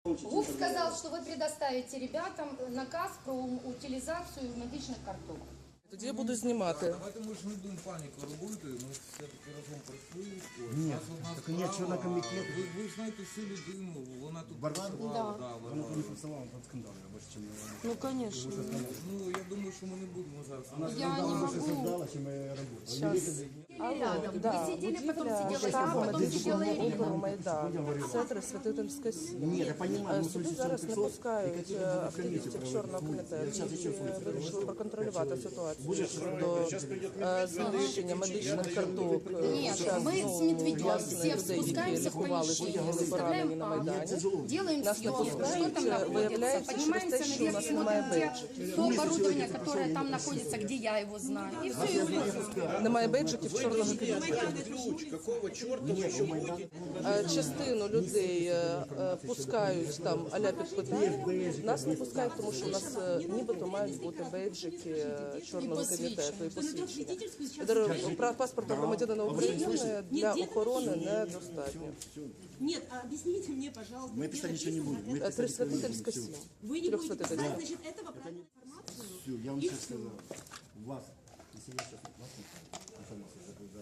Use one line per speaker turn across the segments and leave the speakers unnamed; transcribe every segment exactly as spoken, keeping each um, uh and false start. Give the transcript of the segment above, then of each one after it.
ГУП сказал, что вы предоставите ребятам наказ про утилизацию медичних карток.
Тоді я буду знімати.
Давайте ми ж не будемо паніку робити, ми все-таки разом пройшли.
Ні,
Нас одна
так ні,
справа,
члена комітету.
Ви, ви ж знаєте всю людину, вона тут
Варвара?
працювала. Да,
Вона тут не працювала, там скандал, я більше, чим я.
Ну, звісно.
Ну, я думаю, що ми не будемо зараз.
Вона
Я не
скандал більше
могу.
создала, чим я робота.
Щас.
Рядом.
Да,
Вы сидели, потом
будівля
сидела
штабу
я, потом сидела
медичного
Ирина.
округу Майдан, центр Святительська сім.
Ні, я понимаю, ну,
Сюди
слушай,
зараз не
пятьсот,
пускають
Екатерина буде
активістів
комісію
Чорного
проводити.
комітету,
Я зараз ще
які
слухаю.
вирішили проконтролювати ситуацію щодо е, знищення медичних карток.
Нет, мы с Медведевым все спускаемся в помещение, выставляем акт, делаем
Нас не
съемку, что
пускають,
там находится,
виявляється,
поднимаемся
через те, що у нас
наверх,
немає
смотрим
бейджиків.
то оборудование, которое там находится, где я его знаю, и все, и уходим.
Немає бейджиків чорного комітету.
Ключ, какого черта вы еще ходите?
Е, Частину людей е, е, пускають там аля під питання. Нас не пускають, тому що у нас е, нібито мають бути бейджики е, чорного комітету і посвідчення. Дер- пра- Паспорта громадянина України для охорони недостатньо.
Нет, а объясните мне, пожалуйста,
Мы
где
писали ничего не
написано
будем. Мы
это?
Е, Трисвятительська сім.
Вы не будете
Трехсвятительская.
писать, значит, этого правильная информация.
Все, я вам
И
сейчас
всё.
сказал. Вас, если я сейчас вас не информацию за, за,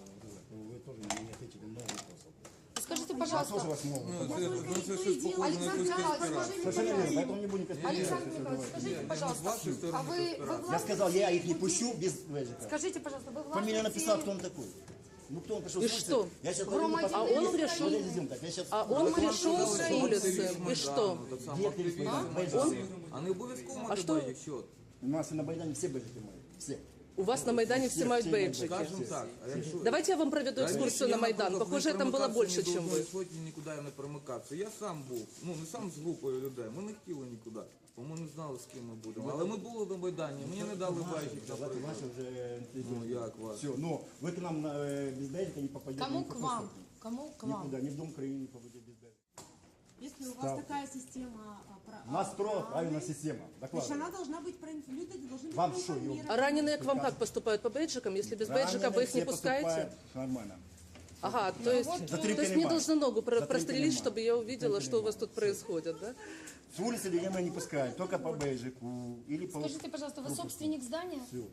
то вы тоже не ответили на вопросы.
Скажите,
Я
пожалуйста,
тоже вас могу.
Ну, це, ну, це щось похоже на
Александр
якусь
Николаевич,
конспірацію.
скажите,
Совершенно верно,
пожалуйста,
поэтому не будем
Александр Николаевич, скажите,
С
пожалуйста,
вашей стороны
а вы, вы
конспирация.
Я сказал, я их не
властвуете-
пущу без бэджика.
Скажите, пожалуйста, вы
Фамилия написал, кто
властвуете-
он такой. Ну кто он пришел
И
с улицы?
что?
Я сейчас
Громадянин
А он пришел?
Подождите, так, я сейчас...
А он пришел с улицы, и что?
Так само
Где
активісти
телефон?
Майдану. А не обов'язково
А
Ну,
мати
що?
якщо,
У нас и на Майдане все бэджики мои. Все.
У вас на Майдане все мают бейджики.
скажімо так, а якщо...
Давайте я вам проведу экскурсию на Майдан.
наприклад,
Похоже,
не
там было
перемикався
больше,
ні до
чем
одної
вы.
сотні, нікуди я не перемикався. Я сам був, ну не сам з групою людей, ми не хотіли нікуди, бо ми не знали, з ким ми будемо. Але ми були на Майдані, мені не дали бейджик,
Ваши,
наприклад.
ваши уже...
Ну як вас?
Все, но вы к нам э, без бэджика не попадете.
Кому
ни в
к
какую
вам?
сторону.
Кому к вам?
Никуда, ни в Дом Украины не попадете без бэджика.
Если у вас такая система... а, про-
У нас
а,
строго
правильная,
правильная система.
Значит,
Докладываю.
она должна быть проинформирована. Люди должны быть
Вам что,
проинформированы.
А раненые к вам как поступают? По бейджикам? Если без бейджика
Раненые
вы их не
все
пускаете?
поступают Нормально.
Ага, то есть,
вот,
то
Затрипанный
есть мне
мат.
должны ногу про-
Затрипанный
прострелить,
мат.
чтобы я увидела, что у вас тут происходит, да?
С улицы людей мы не пускаем, только по бейджику или по...
Скажите, пожалуйста, вы собственник здания?
Все.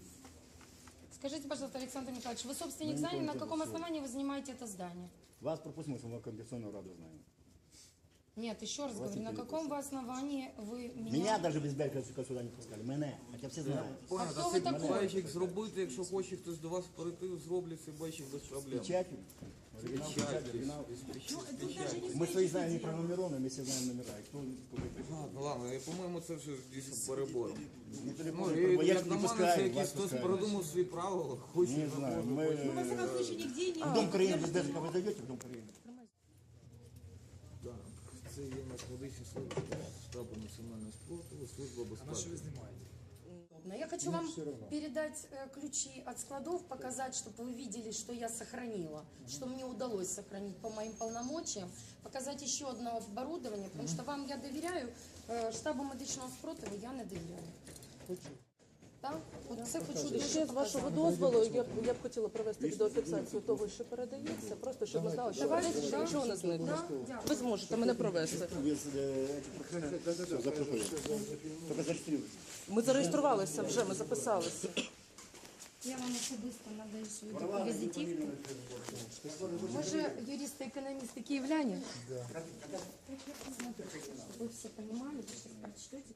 Скажите, пожалуйста, Александр Николаевич, вы собственник здания, на каком основании вы занимаете это здание?
Вас пропустим, если мы Кондиционную Раду знаем.
Нет, еще раз говорю,
не
на каком вы основании вы меня...
Меня даже без бейджика сюда не пускали. Мене. Хотя все знают.
Понял,
хто ви такий?
бейджик зробити, якщо хоче хтось до вас прийти, зроблять цей бейджик без проблем.
Печатью. Оригинал, печать, оригинал. Мы свои знаем не пронумерованы, мы все знаем номера. И кто, кто
Ладно, ладно, я, по-моєму, це вже дійсно перебор.
не
Ну,
телефон,
і,
я
як
не
на мене, це
пускаю,
якийсь
вас
хтось
пускаю.
придумав свої правила, хоче,
Не знаю,
Ну, во
мы...
всяком случае, нигде не...
В Дом Украины без бейджика вы зайдете в Дом Украины?
Так, це є наш медичний служба штабу національного спротиву, служба безпеки.
Но я хочу вам передать э, ключи от складов, показать, чтобы вы видели, что я сохранила, что мне удалось сохранить по моим полномочиям, показать еще одно оборудование, потому что вам я доверяю, э, штабу медичного спротиву я не доверяю. Так? От це хочу
Ще з вашого дозволу я б, я б хотіла провести відеофіксацію того, що передається, просто щоб ви знали, що
Давайте,
що
да.
нічого не зникне.
Да, дякую.
Ви зможете мене провести.
Без э, этих все, запрашиваю. Только зарегистрируйтесь.
Ми зареєструвалися вже, ми записалися.
Я вам особисто надаю свою таку візитівку. Ви же юристы-экономисты киевляне? Да. Вы все понимали, что